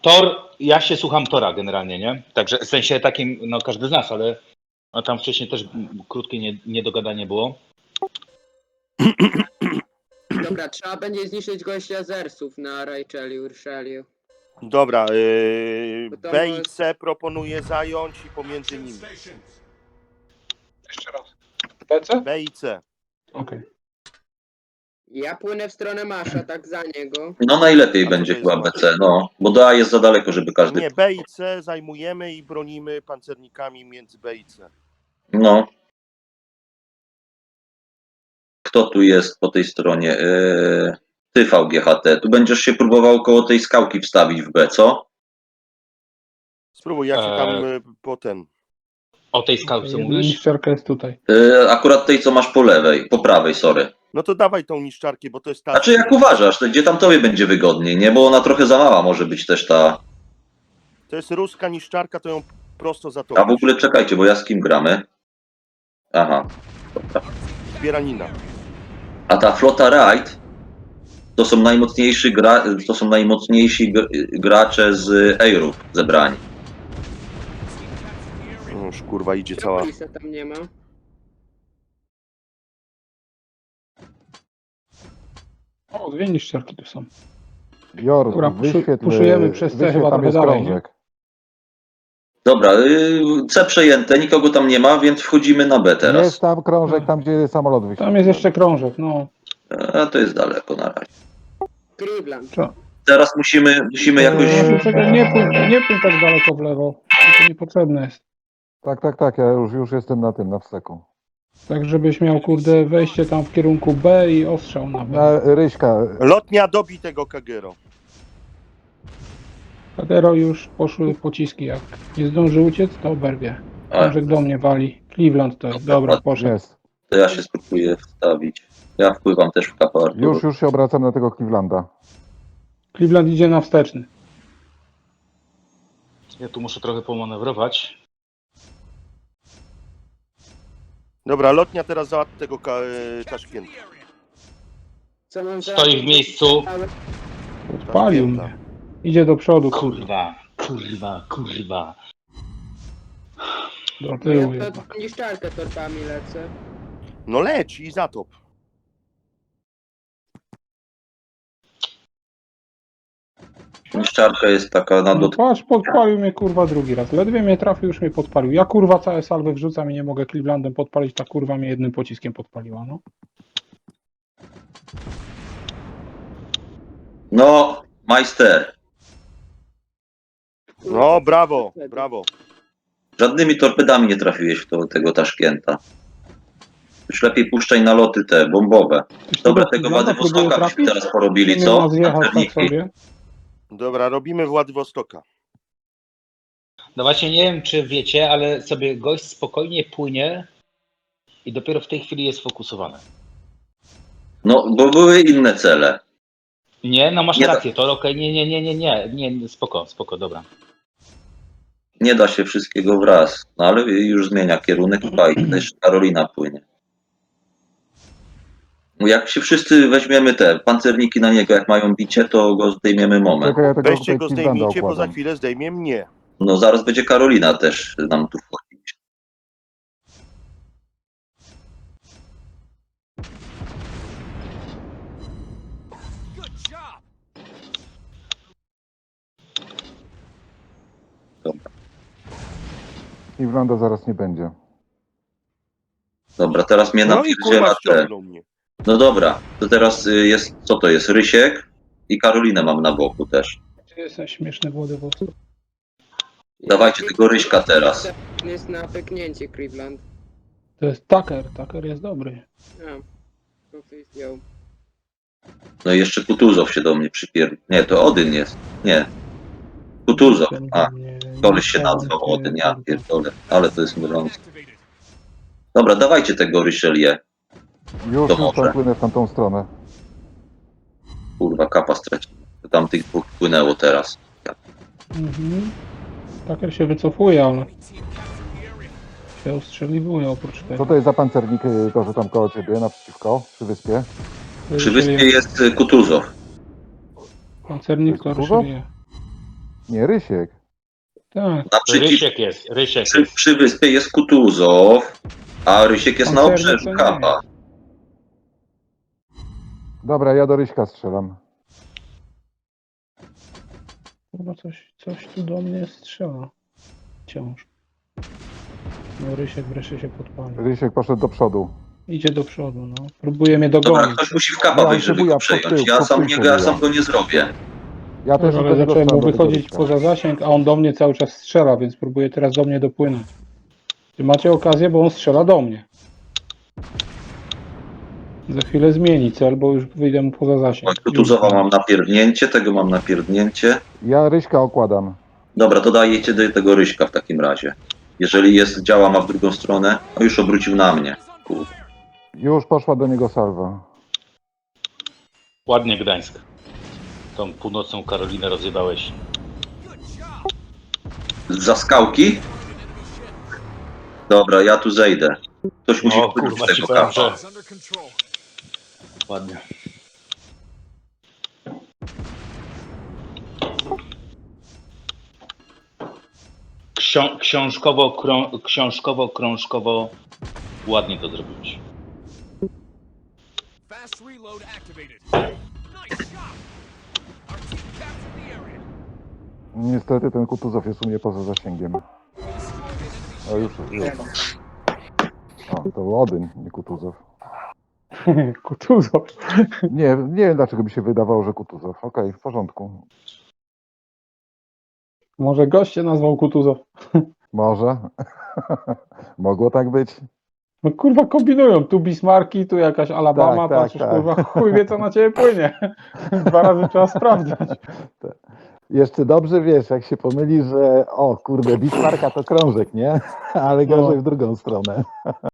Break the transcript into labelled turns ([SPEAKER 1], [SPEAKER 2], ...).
[SPEAKER 1] Tor, ja się słucham Tora generalnie, nie? Także w sensie takim, no każdy z nas, ale no, tam wcześniej też krótkie niedogadanie było.
[SPEAKER 2] Dobra, trzeba będzie zniszczyć gościa zersów na Racheliu, Ursheliu.
[SPEAKER 3] Dobra,
[SPEAKER 2] Bo to
[SPEAKER 3] B i
[SPEAKER 2] może-
[SPEAKER 3] C proponuję zająć i pomiędzy nimi.
[SPEAKER 4] Jeszcze raz. PC?
[SPEAKER 3] B i C.
[SPEAKER 4] Okej.
[SPEAKER 2] Ja płynę w stronę Masza, tak za niego.
[SPEAKER 5] No najlepiej
[SPEAKER 3] A co
[SPEAKER 5] będzie
[SPEAKER 3] to jest
[SPEAKER 5] chyba
[SPEAKER 3] masz?
[SPEAKER 5] BC, no. Bo do A jest za daleko, żeby każdy...
[SPEAKER 3] Nie, B i C zajmujemy i bronimy pancernikami między B i C.
[SPEAKER 5] No. Kto tu jest po tej stronie? Ty VGHT. Tu będziesz się próbował koło tej skałki wstawić w B, co?
[SPEAKER 3] Spróbuj, ja się tam po ten...
[SPEAKER 1] O tej skałce
[SPEAKER 4] Jedna
[SPEAKER 1] mówisz?
[SPEAKER 4] niszczarka jest tutaj.
[SPEAKER 5] Akurat tej, co masz po lewej, po prawej, sorry.
[SPEAKER 3] No to dawaj tą niszczarkę, bo to jest ta...
[SPEAKER 5] Znaczy jak uważasz, to gdzie tam tobie będzie wygodniej, nie? Bo ona trochę za mała może być też ta...
[SPEAKER 3] To jest ruska niszczarka, to ją prosto za to.
[SPEAKER 5] A w ogóle czekajcie, bo ja z kim gramy? Aha. Dobra.
[SPEAKER 3] Zbieranina.
[SPEAKER 5] A ta flota Raid to są najmocniejsi gracze z Eyrup zebrani.
[SPEAKER 3] No już kurwa idzie cała...
[SPEAKER 2] Tropolisa tam nie ma.
[SPEAKER 4] O, dwie niszczarki tu są.
[SPEAKER 6] Jor,
[SPEAKER 4] Dobra,
[SPEAKER 6] wyświetl,
[SPEAKER 4] puszujemy przez C
[SPEAKER 6] wyświetl,
[SPEAKER 4] chyba
[SPEAKER 6] tam
[SPEAKER 4] trochę
[SPEAKER 6] jest
[SPEAKER 4] dalej,
[SPEAKER 6] krążek.
[SPEAKER 5] Dobra, C przejęte, nikogo tam nie ma, więc wchodzimy na B teraz.
[SPEAKER 6] Jest tam krążek, tam gdzie samolot wyświetla.
[SPEAKER 4] Tam jest jeszcze krążek, no.
[SPEAKER 5] A to jest daleko na razie.
[SPEAKER 2] Cleveland.
[SPEAKER 5] Teraz musimy jakoś...
[SPEAKER 4] Czekaj, nie pójdź tak daleko w lewo. To niepotrzebne jest.
[SPEAKER 6] Tak, ja już jestem na tym, na wsteku.
[SPEAKER 4] Tak, żebyś miał, kurde, wejście tam w kierunku B i ostrzał na B.
[SPEAKER 6] Na Ryśka,
[SPEAKER 3] Lotnia dobi tego Kagero.
[SPEAKER 4] Kadero już poszły pociski, jak nie zdąży uciec, to oberwie.
[SPEAKER 5] A,
[SPEAKER 4] Krążek do mnie wali. Cleveland to jest, dobra, poszedł.
[SPEAKER 6] jest.
[SPEAKER 5] to ja się spróbuję wstawić. Ja wpływam też w kapę Arturu.
[SPEAKER 6] Już się obracam na tego Clevelanda.
[SPEAKER 4] Cleveland idzie na wsteczny.
[SPEAKER 1] Ja tu muszę trochę pomanewrować.
[SPEAKER 3] Dobra, lotnia teraz załatwi tego Taszkenta.
[SPEAKER 2] Co mam za...
[SPEAKER 1] Stoi w miejscu.
[SPEAKER 4] Odpalił mnie. Idzie do przodu, kurde.
[SPEAKER 1] Kurwa.
[SPEAKER 4] Do
[SPEAKER 2] Ja
[SPEAKER 4] tyłu
[SPEAKER 2] to
[SPEAKER 4] jednak.
[SPEAKER 2] niszczarkę torpami lecę.
[SPEAKER 3] No leć i zatop.
[SPEAKER 5] Niszczarka jest taka na
[SPEAKER 4] No patrz, podpalił mnie kurwa drugi raz. Ledwie mnie trafił, już mnie podpalił. Ja kurwa całe salwy wrzucam i nie mogę Clevelandem podpalić, ta kurwa mnie jednym pociskiem podpaliła, no.
[SPEAKER 5] No, majster.
[SPEAKER 3] No brawo, brawo.
[SPEAKER 5] Żadnymi torpedami nie trafiłeś w tego Taszkenta. Już lepiej puszczaj na loty te, bombowe.
[SPEAKER 4] Ktoś
[SPEAKER 5] Dobra,
[SPEAKER 4] tego
[SPEAKER 5] tego
[SPEAKER 4] Clevelanda próbuje
[SPEAKER 5] Władywostoka byśmy
[SPEAKER 4] trafić?
[SPEAKER 5] teraz porobili,
[SPEAKER 4] Nie
[SPEAKER 5] co?
[SPEAKER 4] ma zjechać tak
[SPEAKER 5] Pancerniki.
[SPEAKER 4] sobie.
[SPEAKER 3] Dobra, robimy Władywostoka.
[SPEAKER 1] No właśnie nie wiem, czy wiecie, ale sobie gość spokojnie płynie i dopiero w tej chwili jest fokusowany.
[SPEAKER 5] No, bo były inne cele.
[SPEAKER 1] Nie, no masz
[SPEAKER 5] Nie da-
[SPEAKER 1] rację, to okej, nie, spoko, dobra.
[SPEAKER 5] Nie da się wszystkiego wraz. No ale już zmienia kierunek i też Karolina płynie. Jak się wszyscy weźmiemy te pancerniki na niego, jak mają bicie, to go zdejmiemy moment.
[SPEAKER 6] Czekaj, ja tego
[SPEAKER 3] Weźcie
[SPEAKER 6] tutaj
[SPEAKER 3] go,
[SPEAKER 6] Clevelanda
[SPEAKER 3] zdejmijcie, bo za
[SPEAKER 6] układam.
[SPEAKER 3] chwilę zdejmie mnie.
[SPEAKER 5] No zaraz będzie Karolina też nam tu wchodzić. Dobra.
[SPEAKER 6] Clevelanda zaraz nie będzie.
[SPEAKER 5] Dobra, teraz mnie
[SPEAKER 3] No i kurwa
[SPEAKER 5] napierdziela te.
[SPEAKER 3] ściągnął mnie.
[SPEAKER 5] No dobra, to teraz jest, co to jest? Rysiek i Karolinę mam na boku też.
[SPEAKER 4] Gdzie jest ten śmieszny Władywostok?
[SPEAKER 5] Dawajcie tego Ryśka teraz.
[SPEAKER 2] Jest na pyknięcie Cleveland.
[SPEAKER 4] To jest Tucker. Tucker jest dobry.
[SPEAKER 2] A, to ktoś zdjął.
[SPEAKER 5] No i jeszcze Kutuzow się do mnie przypierdolił. Nie, to Odyn jest. Nie. Kutuzow. A, koleś się nazwał Odyn, ja pierdolę. Ale to jest mylące. Dobra, dawajcie tego Ryszelię.
[SPEAKER 6] Już
[SPEAKER 5] To może.
[SPEAKER 6] tam płynę w tamtą stronę.
[SPEAKER 5] Kurwa, kapa straciłem. Tam tych dwóch płynęło teraz.
[SPEAKER 4] Mhm. Tucker się wycofuje, ale się ustrzeliwuje oprócz
[SPEAKER 6] Co
[SPEAKER 4] tego.
[SPEAKER 6] to jest za pancernik, to że tam koło ciebie, naprzeciwko, przy wyspie?
[SPEAKER 5] Przy wyspie jest Kutuzow.
[SPEAKER 4] Pancernik
[SPEAKER 6] To jest
[SPEAKER 4] to Ryszelię.
[SPEAKER 6] Nie, Rysiek.
[SPEAKER 4] Tak.
[SPEAKER 5] Naprzeciw,
[SPEAKER 1] Rysiek jest, Rysiek
[SPEAKER 5] przy,
[SPEAKER 1] jest.
[SPEAKER 5] przy wyspie jest Kutuzow, a Rysiek jest na
[SPEAKER 4] Pancerny
[SPEAKER 5] obrzeżu
[SPEAKER 4] to nie
[SPEAKER 5] Kapa.
[SPEAKER 6] Dobra, ja do Ryśka strzelam.
[SPEAKER 4] Kurwa, coś tu do mnie strzela. Wciąż. No Rysiek wreszcie się podpalił.
[SPEAKER 6] Rysiek poszedł do przodu.
[SPEAKER 4] Idzie do przodu, no. Próbuje mnie
[SPEAKER 5] Dobra,
[SPEAKER 4] dogonić.
[SPEAKER 5] ktoś musi w Kapa
[SPEAKER 6] Ja
[SPEAKER 5] wejść, żeby
[SPEAKER 6] próbuję
[SPEAKER 5] go
[SPEAKER 6] pod tył,
[SPEAKER 5] przejąć. Ja
[SPEAKER 6] pod
[SPEAKER 5] sam,
[SPEAKER 6] tył
[SPEAKER 5] nie, ja sam
[SPEAKER 6] próbuję.
[SPEAKER 5] go nie zrobię.
[SPEAKER 6] Ja też
[SPEAKER 4] Ale
[SPEAKER 6] idę do
[SPEAKER 4] zacząłem mu
[SPEAKER 6] przodu, do
[SPEAKER 4] wychodzić
[SPEAKER 6] Ryśka.
[SPEAKER 4] poza zasięg, a on do mnie cały czas strzela, więc próbuje teraz do mnie dopłynąć. Czy macie okazję, bo on strzela do mnie. Za chwilę zmieni cel, bo już wyjdę mu poza zasięg.
[SPEAKER 5] Oj, Kutuzowa mam napierdnięcie, tego mam napierdnięcie.
[SPEAKER 6] Ja Ryśka okładam.
[SPEAKER 5] Dobra, to dajecie do tego Ryśka w takim razie. Jeżeli jest, działa ma w drugą stronę, no już obrócił na mnie. Kurde.
[SPEAKER 6] Już poszła do niego salwa.
[SPEAKER 1] Ładnie Gdańsk. Tą północną Karolinę rozjebałeś.
[SPEAKER 5] Za skałki? Dobra, ja tu zejdę. Ktoś musi
[SPEAKER 1] O
[SPEAKER 5] wpłynąć
[SPEAKER 1] kurwa,
[SPEAKER 5] z
[SPEAKER 1] ci
[SPEAKER 5] tego
[SPEAKER 1] powiem,
[SPEAKER 5] Kapa.
[SPEAKER 1] że... Ładnie. Książkowo-krążkowo ładnie to zrobiłeś.
[SPEAKER 7] Fast reload activated. Nice shot. Our team captured the area.
[SPEAKER 6] Niestety ten Kutuzow jest u mnie poza zasięgiem. O, już. O, to był Odyn, nie Kutuzow.
[SPEAKER 4] Kutuzow.
[SPEAKER 6] Nie wiem dlaczego mi się wydawało, że Kutuzow. Okej, w porządku.
[SPEAKER 4] Może goście nazwał Kutuzow.
[SPEAKER 6] Może. Mogło tak być.
[SPEAKER 4] No kurwa kombinują, tu Bismarki, tu jakaś Alabama,
[SPEAKER 6] Tak,
[SPEAKER 4] patrzysz
[SPEAKER 6] tak.
[SPEAKER 4] kurwa, chuj wie co na ciebie płynie. 2 razy trzeba sprawdzać.
[SPEAKER 6] Jeszcze dobrze wiesz, jak się pomyli, że o kurde, Bismarka to krążek, nie? Ale gorzej w drugą stronę.